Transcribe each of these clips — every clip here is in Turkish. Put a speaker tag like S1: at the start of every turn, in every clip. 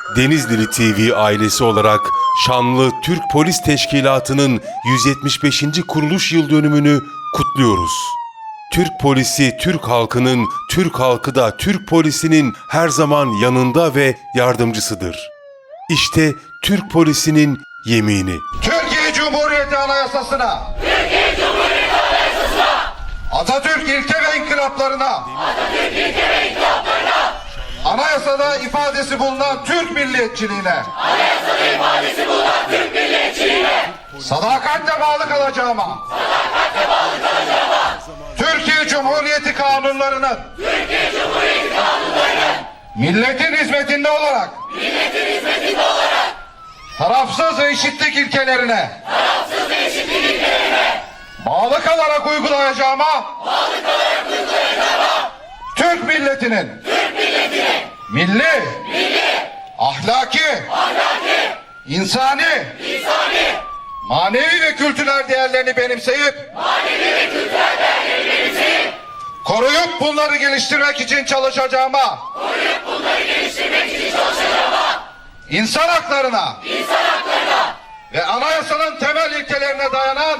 S1: Denizlili TV ailesi olarak şanlı Türk Polis Teşkilatı'nın 175. kuruluş yıl dönümünü kutluyoruz. Türk polisi Türk halkının, Türk halkı da Türk polisinin her zaman yanında ve yardımcısıdır. İşte Türk polisinin yemini.
S2: Türkiye Cumhuriyeti Anayasası'na, Atatürk ilke ve inkılaplarına, anayasada ifadesi bulunan Türk milliyetçiliğine, sadakatle bağlı kalacağıma, Türkiye Cumhuriyeti kanunlarının, milletin hizmetinde olarak, tarafsız ve eşitlik ilkelerine, bağlı kalarak uygulayacağıma, Türk milletinin milli, ahlaki, insani, manevi ve kültürel değerlerini benimseyip, koruyup bunları geliştirmek için çalışacağıma, insan haklarına ve anayasanın temel ilkelerine dayanan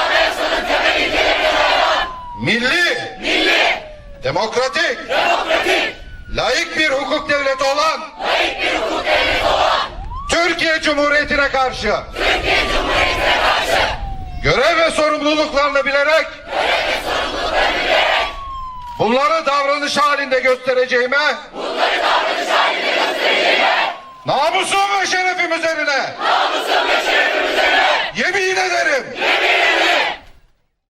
S2: milli, demokratik, laik bir hukuk devleti olan Türkiye Cumhuriyeti'ne karşı görev ve sorumluluklarını bilerek bunları davranış halinde göstereceğime, namusum ve şerefim üzerine yemin ederim.